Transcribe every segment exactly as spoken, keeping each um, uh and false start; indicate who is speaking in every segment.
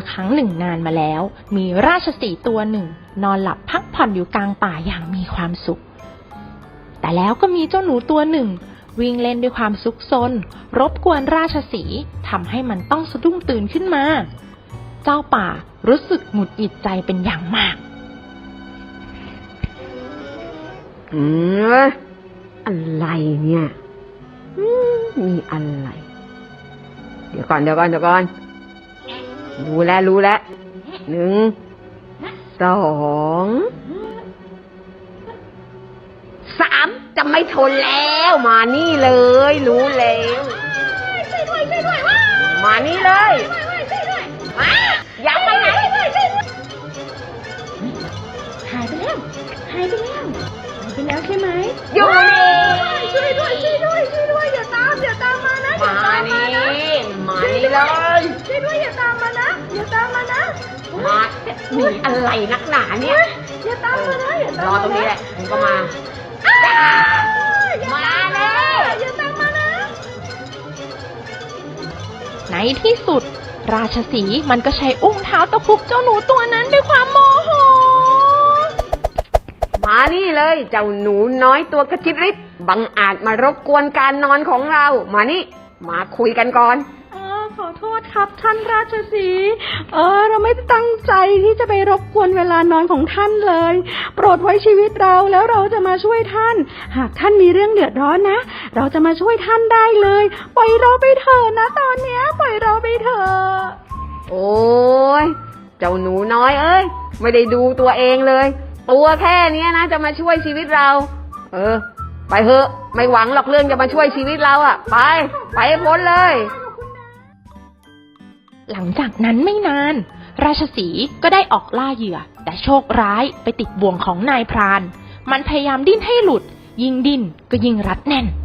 Speaker 1: ครั้งหนึ่งนานมาแล้วมีราชสีห์ตัวหนึ่งนอนหลับพักผ่อนอยู่กลางป่าอย่างมีความสุขแต่แล้วก็มีเจ้าหนูตัวหนึ่งวิ่งเล่นด้วยความซุกซนรบกวนราชสีห์ทำให้มันต้องสะดุ้งตื่นขึ้นมาเจ้าป่ารู้สึกหงุดหงิดใจเป็นอย่างมาก
Speaker 2: อืมอะไรเนี่ยมีอะไรเดี๋ยวก่อนเดี๋ยวก่อนเดี๋ยวก่อนรู้แล้วรู้แล้วหนึ่งสองสามจะไม่ทนแล้วมานี่เลยรู้แล้วมานี่เลยมาอย่าไปไหน
Speaker 1: หายไปแล้วหายไปแล้วหายไปแล้วใช่ไหม
Speaker 2: อยู่นี่
Speaker 1: ช่วยด้วยช่วยด้วยช่วยด้วยอย่าตามอย่าตามมานะอย่าตามมานะ
Speaker 2: มานี่เลย
Speaker 1: ช่วยด้วยอย่าตามมานะอย่าตามมานะ
Speaker 2: มามีอะไรนักหนาเนี่ย
Speaker 1: อย่าตามมานะอย่าตาม
Speaker 2: รอตรงนี้แหละมึงก็มามาเลย
Speaker 1: อย่าตามมานะในที่สุดราชสีห์มันก็ใช้อุ้งเท้าตะคุบเจ้าหนูตัวนั้นด้วยความโมโห
Speaker 2: มานี่เลยเจ้าหนูน้อยตัวกระจิตริดบังอาจมารบกวนการนอนของเรามานี่มาคุยกันก่อน
Speaker 1: ขอโทษครับท่านราชสีห์เออเราไม่ตั้งใจที่จะไปรบกวนเวลานอนของท่านเลยโปรดไว้ชีวิตเราแล้วเราจะมาช่วยท่านหากท่านมีเรื่องเดือดร้อนนะเราจะมาช่วยท่านได้เลยปล่อยเราไปเถอะนะตอนเนี้ยปล่อยเราไปเถอะ
Speaker 2: โอ้ยเจ้าหนูน้อยเอ้ยไม่ได้ดูตัวเองเลยตัวแค่นี้นะจะมาช่วยชีวิตเราเออไปเถอะไม่หวังหรอกเรื่องจะมาช่วยชีวิตเราอ่ะไปไปให้พ้นเลย
Speaker 1: หลังจากนั้นไม่นานราชสีห์ก็ได้ออกล่าเหยื่อแต่โชคร้ายไปติดบ่วงของนายพรานมันพยายามดิ้นให้หลุดยิ่งดิ้นก็ยิ่งรัดแน่น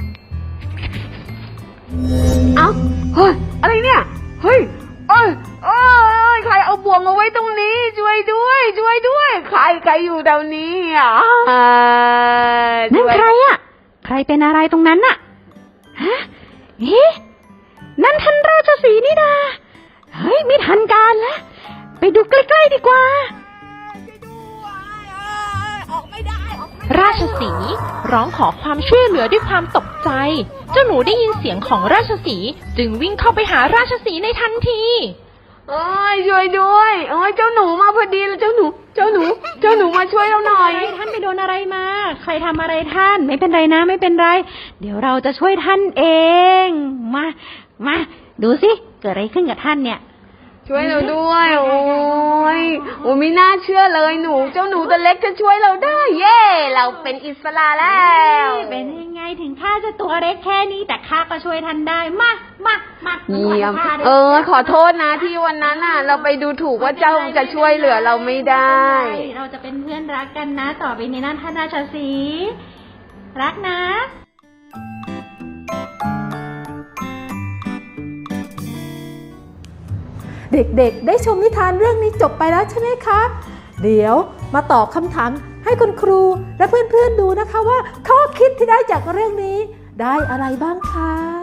Speaker 2: เอ้าเฮ้ยอะไรเนี่ยเฮ้ยเอ้ยเอ้ยใครเอาบ่วงมาไว้ตรงนี้ช่วยด้วยช่วยด้วยใครใครอยู่แถวนี้อ่ะ
Speaker 1: นั่นใครอ่ะใครเป็นอะไรตรงนั้นน่ะฮะเอ๊ะนั่นท่านราชสีห์นี่นาเฮ้ยไม่ทันการแล้วไปดูใกล้ๆดีกว่าราชสีห์ร้องขอความช่วยเหลือด้วยความตกใจเจ้าหนูได้ยินเสียงของราชสีห์จึงวิ่งเข้าไปหาราชสีห์ในทันที
Speaker 2: โอ้ยช่วยด้วยโอ้ยเจ้าหนูมาพอดีเลยเจ้าหนูเจ้าหนูเจ้าหนูมาช่วยเราหน่อย
Speaker 1: ท่านไปโดนอะไรมาใครทำอะไรท่านไม่เป็นไรนะไม่เป็นไรเดี๋ยวเราจะช่วยท่านเองมามาดูสิเกิดอะไรขึ้นกับท่านเนี่ย
Speaker 2: ช่วยเราด้วยโอ้ยโอ้ไม่น่าเชื่อเลยหนูเจ้าหนูตัวเล็กจะช่วยเราได้เย่เราเป็นอิสระแล้ว
Speaker 1: เป็นยังไงถึงข้าจะตัวเล็กแค่นี้แต่ข้าก็ช่วยท่านได้มามามา
Speaker 2: เยี่ยมเออขอโทษนะที่วันนั้นน่ะเราไปดูถูกว่าเจ้าจะช่วยเหลือเราไม่ได้
Speaker 1: เราจะเป็นเพื่อนรักกันนะต่อไปในนั้นท่านราชสีห์รักนะ
Speaker 3: เด็กๆได้ชมนิทานเรื่องนี้จบไปแล้วใช่ไหมคะเดี๋ยวมาตอบคำถามให้คุณครูและเพื่อนๆดูนะคะว่าข้อคิดที่ได้จากเรื่องนี้ได้อะไรบ้างคะ